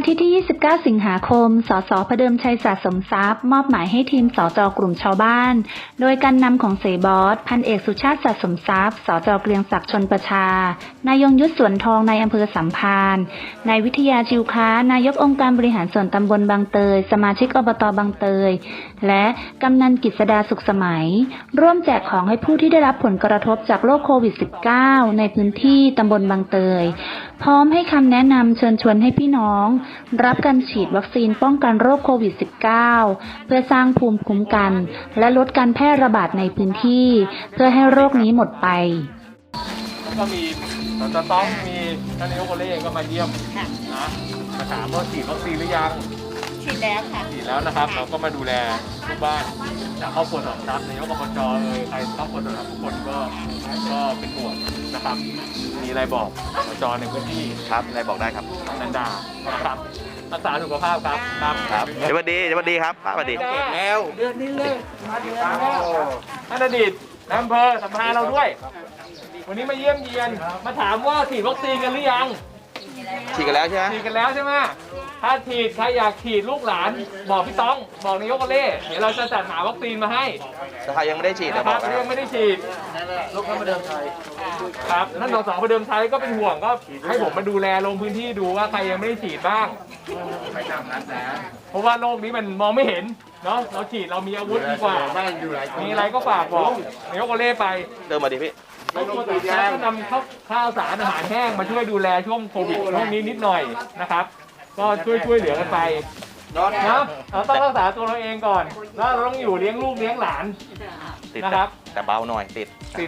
อาทิตย์ที่ 29 สิงหาคม สส.พเดิมชัยสะสมทรัพย์ มอบหมายให้ทีมสจ.กลุ่มชาวบ้าน โดยการนำของเสบอส พันเอกสุชาติสะสมทรัพย์ สจ.เกรียงศักดิ์ชลประชา นายยงยุทธสวนทองในอำเภอสัมพันธ์ นายวิทยาจิวค้า นายกองค์การบริหารส่วนตำบลบางเตย สมาชิกอบต.บางเตย และกำนันกฤษดาสุขสมัย ร่วมแจกของให้ผู้ที่ได้รับผลกระทบจากโรคโควิด -19 ในพื้นที่ตำบลบางเตย พร้อมให้คำแนะนำเชิญชวนให้พี่น้องรับการฉีดวัคซีนป้องกันโรคโควิด -19 เพื่อสร้างภูมิคุ้มกันและลดการแพร่ระบาดในพื้นที่เพื่อให้โรคนี้หมดไปก็มีสจ.ต้องมีท่านนายกโอเล่เองก็มาเยี่ยมนะมาถามว่าฉีดวัคซีนหรือยังฉีดแล้วค่ะฉีดแล้วนะครับเราก็มาดูแลทุกบ้านจากครอบครัวสองทัพนายกอบจใครครอบครัวสองทัพทุกคนก็เป็นห่วงนะครับมีอะไรบอกอบจในพื้นที่ครับอะไรบอกได้ครับนันดานะครับรักษาสุขภาพครับครับเดี๋ยววันดีครับป้าวันดีแล้วเดือนนี้เลยมาเดือนแล้วท่านอดีตนายอำเภอสัมภาระเราด้วยวันนี้มาเยี่ยมเยียนมาถามว่าฉีดวัคซีนกันหรือยังฉีดกันแล้วใช่ไหมฉีดกันแล้วใช่ไหมถ้าฉีดใครอยากฉีดลูกหลานบอกพี่ต้องบอกนายกโอเล่เดี๋ยวเราจะจัดหาวัคซีนมาให้แต่ใครยังไม่ได้ฉีดนะครับยังไม่ได้ฉีดลูกท่านประเดิมชัยครับท่านส.ประเดิมชัยก็เป็นห่วงก็ให้ผมมาดูแลลงพื้นที่ดูว่าใครยังไม่ได้ฉีดบ้างเพราะว่าโรคนี้มันมองไม่เห็นเนาะเราฉีดเรามีอาวุธดีกว่ามีอะไรก็ฝากบอกนายกโอเล่ไปเติมมาดิพี่แล้วก็นำข้าวสารอาหารแห้งมาช่วยดูแลช่วงโควิดช่วงนี้นิดหน่อยนะครับก็ช่วยเหลือกันไปนะเราต้องรักษาตัวเราเองก่อนแล้วเราต้องอยู่เลี้ยงลูกเลี้ยงหลานนะครับแต่เบาหน่อยติด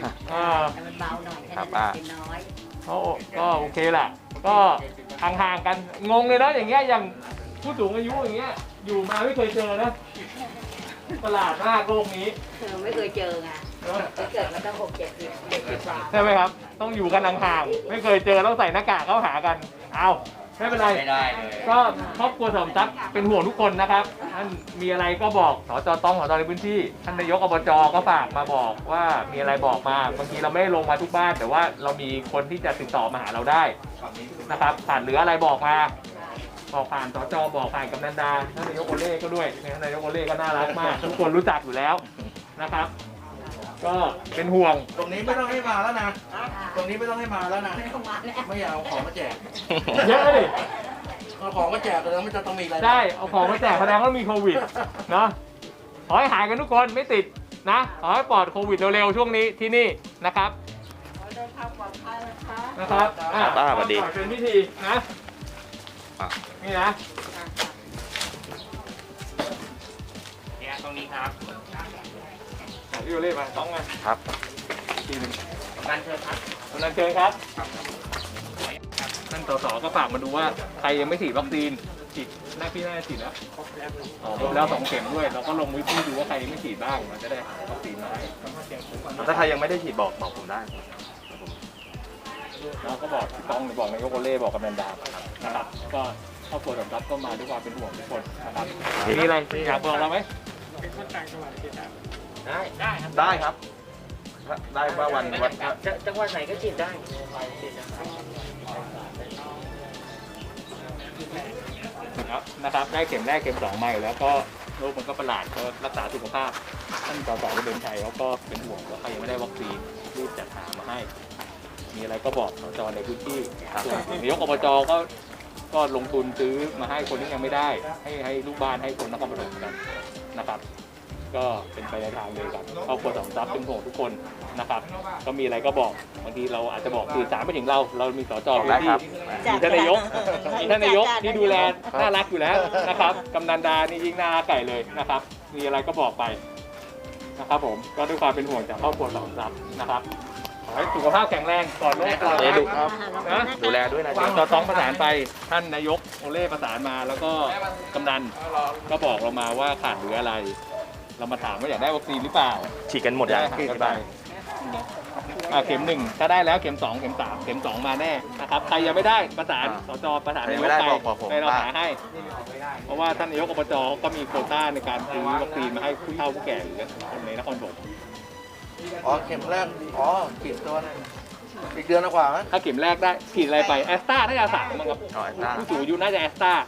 ครับก็โอเคแหละก็ห่างๆกันงงเลยนะอย่างเงี้ยอย่างผู้สูงอายุอย่างเงี้ยอยู่มาไม่เคยเจอนะประหลาดมากโลกนี้ไม่เคยเจอไงเกิดมาตั้ง60-70 ใช่ไหมครับต้องอยู่กันห่างๆไม่เคยเจอต้องใส่หน้ากากเข้าหากันเอาไม่เป็นไรก็ครอบครัวสมทรัพย์เป็นห่วงทุกคนนะครับท่านมีอะไรก็บอกสจ.ต้องสจ.ในพื้นที่ท่านนายกอบจ.ก็ฝากมาบอกว่ามีอะไรบอกมาบางทีเราไม่ได้ลงมาทุกบ้านแต่ว่าเรามีคนที่จะติดต่อมาหาเราได้นะครับผ่านเหลืออะไรบอกมาบอกผ่านสจ.บอกผ่านกำนันดาท่านนายกโอเล่ก็ด้วยท่านนายกโอเล่ก็น่ารักมากทุกคนรู้จักอยู่แล้วนะครับก็เป็นห่วงตรงนี้ไม่ต้องให้มาแล้วนะตรงนี้ไม่ต้องให้มาแล้วนะไม่อยากเอาของมาแจกเยอะเลยเอาของมาแจกแล้วมันจะต้องมีอะไรได้เอาของมาแจกแสดงว่ามีโควิดเนาะขอให้หายกันทุกคนไม่ติดนะขอให้ปลอดโควิดเร็วๆช่วงนี้ที่นี่นะครับเดินทางปลอดภัยนะครับสวัสดีเป็นพิธีนะนี่นะเนี่ยตรงนี้ครับพี่โอเล่มาต้องมาครับทีนึงกำนันเชิญครับกำนันเชิญครับท่านส.ส.ก็ฝากมาดูว่าใครยังไม่ฉีดวัคซีนฉีดพี่น่าจะฉีดแล้วครบแล้ว2 เข็มด้วยเราก็ลงวิธีดูว่าใครยังไม่ฉีดบ้างมันจะได้วัคซีนมาให้ถ้าใครยังไม่ได้ฉีดบอกผมได้เราก็บอกต้องบอกนายกโอเล่บอกกำนันดานะครับก็ครอบครัวสมทรัพย์ก็มาด้วยความเป็นห่วงทุกคนนะครับมีอะไรอยากบอกเราไหมเป็นคนต่างจังหวัดฉีดได้ครับได้ว่าวันจังหวัดไหนก็ฉีดได้นะครับได้เข็มแรกเข็ม2มาอยู่แล้วก็โรคมันก็ประหลาดก็รักษาสุขภาพท่านส.ส.เดินชัยเขาก็เป็นห่วงว่าใครยังไม่ได้วัคซีนรีบจัดหามาให้มีอะไรก็บอกสจ.ในพื้นที่ส่วนนายกอบจ.ก็ลงทุนซื้อมาให้คนที่ยังไม่ได้ให้ลูกบ้านให้คนนครปฐมกันนะครับก็เป็นไปในทางเดียวกันครอบครัวสมทรัพย์เป็นห่วงทุกคนนะครับก็มีอะไรก็บอกบางทีเราอาจจะบอกสื่อสารไปถึงเรามีสจ.พื้นที่มีท่านนายกที่ดูแลน่ารักอยู่แล้วนะครับกำนันดานี่ยิ่งน่าไก่เลยนะครับมีอะไรก็บอกไปนะครับผมก็ด้วยความเป็นห่วงจากครอบครัวสมทรัพย์นะครับขอให้สุขภาพแข็งแรงก่อนโรคก่อนนะดูแลด้วยนะส.ต้องประสานไปท่านนายกโอเล่ประสานมาแล้วก็กำนันก็บอกเรามาว่าขาดเหลืออะไรเรามาถามว่าอยากได้วัคซีนหรือเปล่าฉีดกันหมดยังที่บ้านเข็ม1ถ้าได้แล้วเข็ม2เข็ม3เข็ม2มาแน่นะครับใครยังไม่ได้ประสานสจ.ประสานนายกไปเราหาให้เพราะว่าท่านนายกอบจ.ก็มีโควต้าในการซื้อวัคซีนมาให้ผู้เฒ่าผู้แก่หรือคนในนครปฐมเข็มแรกฉีดตัวอีกเดือนกว่าถ้าเข็มแรกได้ฉีดอะไรไปแอสตราน่าจะ3มั้งครับผู้สูงอายุน่าจะแอสตรา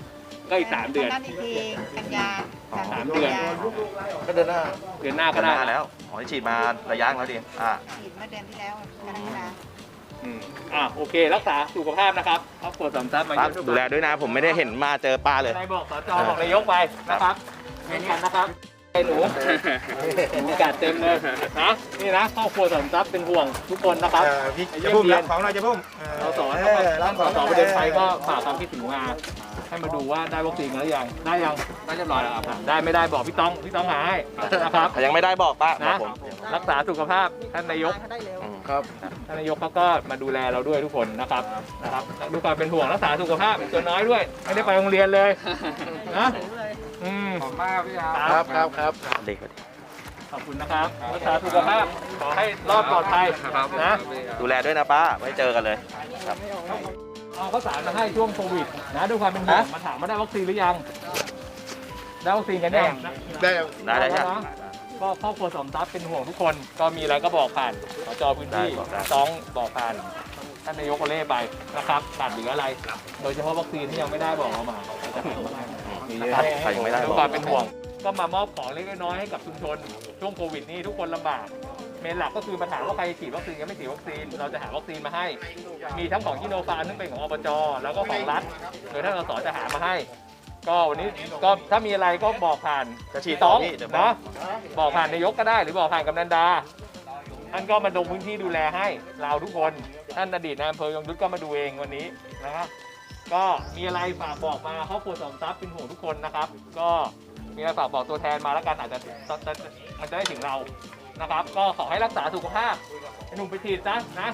ก็อีก3 เดือนนัดอีกทีกันยาสามเดือนก็เดินหน้าเดือนหน้าก็ก็ได้ได้แล้วขอให้ฉีดมาระยะแล้วดิฉีดเมื่อเดือนที่แล้วกรกฎาโอเค รักษาสุขภาพนะครับครอบครัวสมทรัพย์มาครับเยี่ยมดูแลด้วยนะ ผมไม่ได้เห็นมาเจอป้าเลยนายบอกสจบอกนายกไปนะครับเห็นกันนะครับไอ้หนูหนูกัดเต็มเลยนะนี่นะครอบครัวสมทรัพย์เป็นห่วงทุกคนนะครับพี่เยี่ยมเยียนของเราจะพุ่มสสประเด็นไทยก็ฝากความคิดถึงมาให้มาดูว่าได้วัคซีนกันหรือยังได้ยังได้เรียบร้อยแล้วครับได้ไม่ได้บอกพี่ต้องหาให้นะครับถ้ายังไม่ได้บอกป้าบอนะกผมรักษาสุขภาพท่านนายกครับท่านนายกเขาก็มาดูแลเราด้วยทุกคนนะครับดูความเป็นห่วงรักษาสุขภาพเป็นตัวน้อยด้วย ไม่ได้ไปโรงเรียนเลยนะขอบมากพี่อาครับเด็กขอบคุณนะครับรักษาสุขภาพขอให้รอดปลอดภัยนะดูแลด้วยนะป้าไว้เจอกันเลยครับเอาข้าวสารมาให้ช่วงโควิดนะด้วยความเป็นห่วงมาถามว่าได้วัคซีนหรือยังได้วัคซีนกันยังได้ได้เลยใช่ไหมก็ครอบครัวสมทรัพย์เป็นห่วงทุกคนก็มีอะไรก็บอกผ่านสจพื้นที่ได้บอกได้ต้องบอกผ่านท่านนายกโอเล่ไปนะครับขาดเหลืออะไร โดยเฉพาะวัคซีนที่ยังไม่ได้บอกเรามาจะหามาให้มีเยอะใครยังไม่ได้ด้บวอย กความเป็นห่วง ก็มามอบของเล็กน้อยให้กับชุมชนช่วงโควิดนี้ทุกคนลำบากเมนหลักก็คือมาถามว่าใครฉีดวัคซีนกันไม่ฉีดวัคซีนเราจะหาวัคซีนมาให้ มีทั้งของชิโนฟาร์มซึ่งเป็นของอบจแล้วก็ของรัฐโดยท่านสสจะหามาให้ ก็วันนี้ก็ถ้ามีอะไรก็บอกผ่านจะฉีดต้ต่ออง พี่เดี๋ยวบอกนะบอกผ่านนายกก็ได้หรือบอกผ่านกำนันดาท่านก็มาลงพื้นที่ดูแลให้เราทุกคนท่านอดีตนายอำเภอยงยุทธก็มาดูเองวันนี้นะครับก็มีอะไรฝากบอกมาครอบครัวสมทรัพย์เป็นห่วงทุกคนนะครับ ก็มีอะไรฝากบอกตัวแทนมาแล้วกันอาจจะมันจะได้ถึงเรานะครับ ก็ขอให้รักษาสุขภาพไอ้หนุ่มไปฉีดซะนะ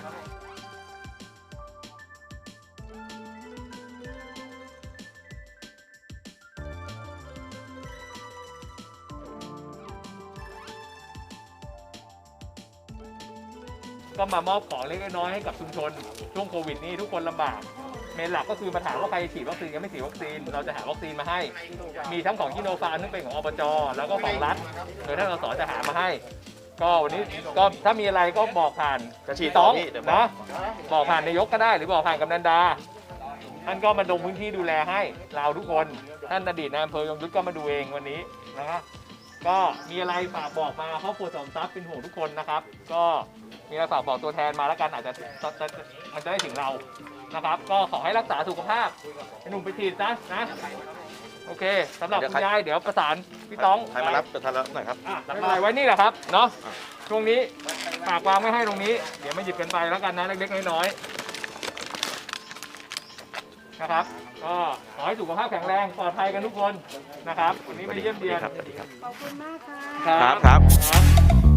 ก็มามอบของเล็กน้อยให้กับชุมชนช่วงโควิดนี้ทุกคนลำบากเมนหลักก็คือมาถามว่าใครฉีดวัคซีนกันไม่ฉีดวัคซีนเราจะหาวัคซีนมาให้ มีทั้งของชิโนฟาร์มซึ่งเป็นของอบจแล้วก็ของรัฐโดยท่านสสจะหามาให้ ก็วันนี้ก็ถ้ามีอะไรก็บอกผ่านจะฉีดต่ต้อองพี่เดี๋ยวบอกนะบอกผ่านนายกก็ได้หรือบอกผ่านกำนันดาท่านก็มาลงพื้นที่ดูแลให้เราทุกคนท่านอดีตนายอำเภอยงยุทธก็มาดูเองวันนี้นะครับก็มีอะไรฝากบอกมาครอบครัวสมทรัพย์เป็นห่วงทุกคนนะครับ ก็มีอะไรฝากบอกตัวแทนมาแล้วกันอาจจะมันจะได้ถึงเรานะครับ ก็ขอให้รักษาสุขภาพไอ้หนุ่มไปฉีดซะนะโอเคสำหรับคุณยายเดี๋ยวประสานพี่ต้องใครมารับจะทันแล้วหน่อยครับรับอะไรไว้นี่แหละครับเนาะช่วงนี้ฝากวางไม่ให้ตรงนี้เดี๋ยวมาหยิบกันไปแล้วกันนะเล็กๆน้อยๆนะครับก็ขอให้สุขภาพแข็งแรงปลอดภัยกันทุกคนนะครับวันนี้มาเยี่ยมเยียนสวัสดีครับขอบคุณมากค่ะครับครับ